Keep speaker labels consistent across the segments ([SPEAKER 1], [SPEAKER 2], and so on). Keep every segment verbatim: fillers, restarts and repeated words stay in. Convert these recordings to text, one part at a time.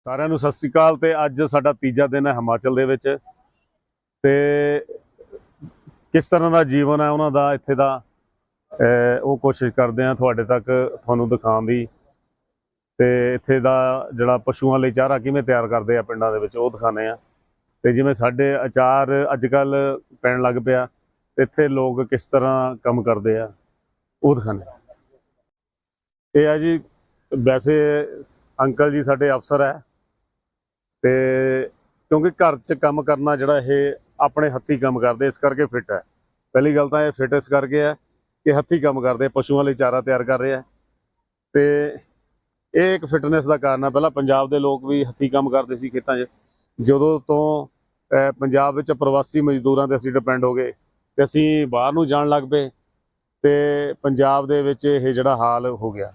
[SPEAKER 1] ਸਾਰਿਆਂ ਨੂੰ ਸਤਿ ਸ੍ਰੀ ਅਕਾਲ। ਤੇ ਅੱਜ ਸਾਡਾ ਤੀਜਾ ਦਿਨ ਹੈ ਹਿਮਾਚਲ ਦੇ ਵਿੱਚ ਤੇ ਕਿਸ ਤਰ੍ਹਾਂ ਦਾ ਜੀਵਨ ਹੈ ਉਹਨਾਂ ਦਾ ਇੱਥੇ ਦਾ ਅਹ ਉਹ ਕੋਸ਼ਿਸ਼ ਕਰਦੇ ਆ ਤੁਹਾਡੇ ਤੱਕ ਤੁਹਾਨੂੰ ਦਿਖਾਉਣ ਦੀ। ਤੇ ਇੱਥੇ ਦਾ ਜਿਹੜਾ ਪਸ਼ੂਆਂ ਲਈ ਚਾਰਾ ਕਿਵੇਂ ਤਿਆਰ ਕਰਦੇ ਆ ਪਿੰਡਾਂ ਦੇ ਵਿੱਚ ਉਹ ਦਿਖਾਉਂਦੇ ਆ। ਤੇ ਜਿਵੇਂ ਸਾਡੇ ਅਚਾਰ ਅੱਜ ਕੱਲ੍ਹ ਪੈਣ ਲੱਗ ਪਿਆ, ਇੱਥੇ ਲੋਕ ਕਿਸ ਤਰ੍ਹਾਂ ਕੰਮ ਕਰਦੇ ਆ ਉਹ ਦਿਖਾਉਂਦੇ ਆ। ਇਹ ਆ ਜੀ, ਵੈਸੇ ਅੰਕਲ ਜੀ ਸਾਡੇ ਅਫਸਰ ਹੈ ਤੇ ਕਿਉਂਕਿ ਘਰ 'ਚ ਕੰਮ ਕਰਨਾ ਜਿਹੜਾ ਇਹ ਆਪਣੇ ਹੱਥੀਂ ਕੰਮ ਕਰਦੇ ਇਸ ਕਰਕੇ ਫਿੱਟ ਹੈ। ਪਹਿਲੀ ਗੱਲ ਤਾਂ ਇਹ ਫਿੱਟ ਇਸ ਕਰਕੇ ਹੈ ਕਿ ਹੱਥੀਂ ਕੰਮ ਕਰਦੇ, ਪਸ਼ੂਆਂ ਲਈ ਚਾਰਾ ਤਿਆਰ ਕਰ ਰਹੇ ਆ ਤੇ ਇਹ ਇੱਕ ਫਿਟਨੈਸ ਦਾ ਕਾਰਨ ਹੈ। ਪਹਿਲਾਂ ਪੰਜਾਬ ਦੇ ਲੋਕ ਵੀ ਹੱਥੀਂ ਕੰਮ ਕਰਦੇ ਸੀ ਖੇਤਾਂ 'ਚ। ਜਦੋਂ ਤੋਂ ਪੰਜਾਬ ਵਿੱਚ ਪ੍ਰਵਾਸੀ ਮਜ਼ਦੂਰਾਂ 'ਤੇ ਅਸੀਂ ਡਿਪੈਂਡ ਹੋ ਗਏ ਤੇ ਅਸੀਂ ਬਾਹਰ ਨੂੰ ਜਾਣ ਲੱਗ ਪਏ ਤੇ ਪੰਜਾਬ ਦੇ ਵਿੱਚ ਇਹ ਜਿਹੜਾ ਹਾਲ ਹੋ ਗਿਆ।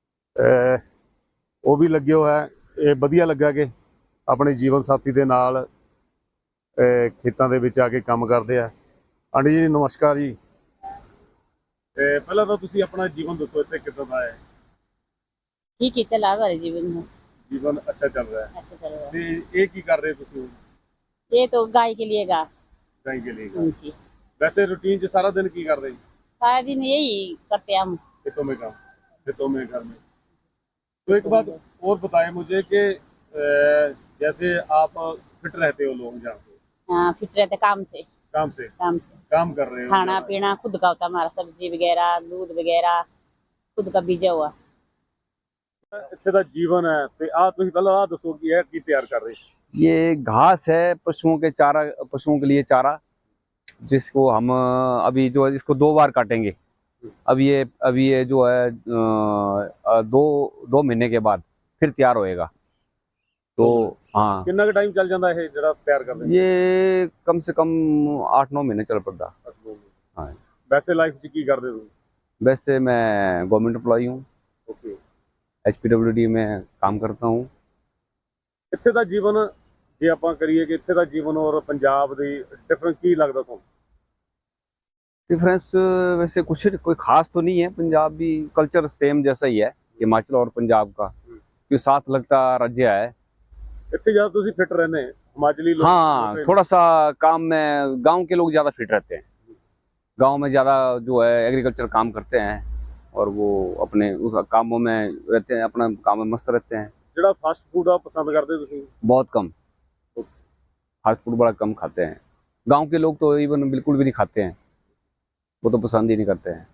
[SPEAKER 1] ਉਹ ਵੀ ਲੱਗੇ ਹੋਇਆ, ਇਹ ਵਧੀਆ ਲੱਗਾ ਕਿ ਆਪਣੇ ਜੀਵਨ ਸਾਥੀ ਦੇ ਨਾਲ ਖੇਤਾਂ ਦੇ ਵਿੱਚ ਆ ਕੇ ਕੰਮ ਕਰਦੇ ਆ। ਆਂਟੀ ਜੀ ਨਮਸਕਾਰ ਜੀ। ਤੇ ਪਹਿਲਾਂ ਤਾਂ ਤੁਸੀਂ ਆਪਣਾ ਜੀਵਨ ਦੱਸੋ, ਇੱਥੇ ਕਿੱਦਾਂ ਦਾ ਹੈ?
[SPEAKER 2] ठीक ही चला हमारे जीवन में।
[SPEAKER 1] जीवन अच्छा चल रहा है।
[SPEAKER 2] अच्छा चल रहा है।
[SPEAKER 1] ਤੇ ਇਹ ਕੀ ਕਰ ਰਹੇ ਤੁਸੀਂ?
[SPEAKER 2] ये तो गाय के लिए घास।
[SPEAKER 1] गाय के लिए।
[SPEAKER 2] जी।
[SPEAKER 1] वैसे रूटीन च सारा दिन की कर रहे हैं?
[SPEAKER 2] सारा दिन यही करते हैं हम।
[SPEAKER 1] खेतों में काम, खेतों में घर में। तो एक बात और बताएं मुझे कि जैसे आप फिट रहते हो, लोग जहाँ पे
[SPEAKER 2] हाँ, फिट रहते काम से।
[SPEAKER 1] काम से
[SPEAKER 2] काम से
[SPEAKER 1] काम कर रहे हो,
[SPEAKER 2] खाना पीना खुद का होता है हमारा, सब्जी वगैरह दूध वगैरह खुद का बीजा हुआ।
[SPEAKER 1] ਇੱਥੇ ਦਾ ਜੀਵਨ ਹੈ ਤੇ ਆ ਤੁਸੀਂ ਪਹਿਲਾਂ ਆ ਦੱਸੋ ਕਿ ਇਹ ਕੀ ਤਿਆਰ ਕਰ ਰਹੇ?
[SPEAKER 3] ये घास है पशुओं के चारा, पशुओं के लिए चारा, जिसको हम अभी जो है इसको दो बार काटेंगे। अब ये अभी ये जो है अ, दो दो महीने के बाद फिर तैयार होएगा। तो हाँ,
[SPEAKER 1] ਕਿੰਨਾ ਕੁ ਟਾਈਮ ਚੱਲ ਜਾਂਦਾ ਇਹ ਜਿਹੜਾ ਤਿਆਰ ਕਰਦੇ?
[SPEAKER 3] ये कम से कम आठ नौ महीने चल पड़ता। हाँ,
[SPEAKER 1] ਵੈਸੇ ਲਾਈਫ 'ਚ ਕੀ ਕਰਦੇ ਤੁਸੀਂ?
[SPEAKER 3] वैसे मैं गवर्नमेंट एम्प्लॉई हूँ,
[SPEAKER 1] okay.
[SPEAKER 3] H P W D में काम करता हूँ।
[SPEAKER 1] ਇੱਥੇ ਦਾ ਜੀਵਨ ਜੇ ਆਪਾਂ ਕਰੀਏ ਕਿ ਇੱਥੇ ਦਾ ਜੀਵਨ ਔਰ ਪੰਜਾਬ ਦੀ ਡਿਫਰੈਂਸ ਕੀ ਲੱਗਦਾ ਤੁਹਾਨੂੰ?
[SPEAKER 3] डिफरेंस वैसे कुछ कोई खास तो नहीं है, पंजाबी कल्चर सेम जैसा ही है हिमाचल और पंजाब का, क्योंकि साथ लगता राज्य है।
[SPEAKER 1] ਇੱਥੇ ਜਦ ਤੁਸੀਂ ਫਿੱਟ ਰਹਿੰਦੇ ਹਿਮਾਚਲੀ ਲੋਕ?
[SPEAKER 3] हाँ, थोड़ा सा काम में गांव के लोग ज़्यादा फिट रहते हैं। गांव में ज़्यादा जो है एग्रीकल्चर काम करते हैं और वो अपने उस कामों में रहते हैं, अपना काम में मस्त रहते हैं।
[SPEAKER 1] ਜਿਹੜਾ ਫਾਸਟ ਫੂਡ ਆ ਪਸੰਦ ਕਰਦੇ ਤੁਸੀਂ?
[SPEAKER 3] बहुत कम, फास्ट फूड बड़ा कम खाते हैं। गांव के लोग तो इवन बिल्कुल भी नहीं खाते हैं, वो तो पसंद ही नहीं करते हैं।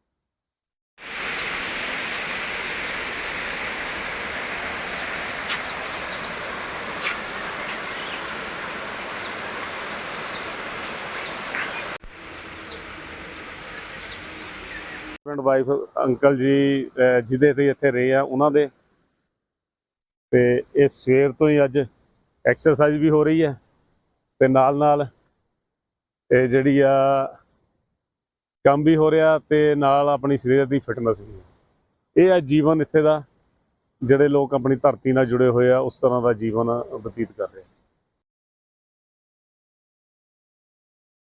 [SPEAKER 1] ਹਸਬੈਂਡ ਵਾਈਫ ਅੰਕਲ ਜੀ ਜਿਹਦੇ ਤੇ ਇੱਥੇ ਰਹੇ ਆ ਉਹਨਾਂ ਦੇ, ਤੇ ਇਹ ਸਵੇਰ ਤੋਂ ਹੀ ਅੱਜ ਐਕਸਰਸਾਈਜ਼ ਵੀ ਹੋ ਰਹੀ ਹੈ ਤੇ ਨਾਲ ਨਾਲ ਇਹ ਜਿਹੜੀ ਆ ਕੰਮ ਵੀ ਹੋ ਰਿਹਾ ਤੇ ਨਾਲ ਆਪਣੀ ਸਰੀਰ ਦੀ ਫਿਟਨੈਸ ਵੀ। ਇਹ ਆ ਜੀਵਨ ਇੱਥੇ ਦਾ, ਜਿਹੜੇ ਲੋਕ ਆਪਣੀ ਧਰਤੀ ਨਾਲ ਜੁੜੇ ਹੋਏ ਆ ਉਸ ਤਰ੍ਹਾਂ ਦਾ ਜੀਵਨ ਬਤੀਤ ਕਰ ਰਹੇ ਆ।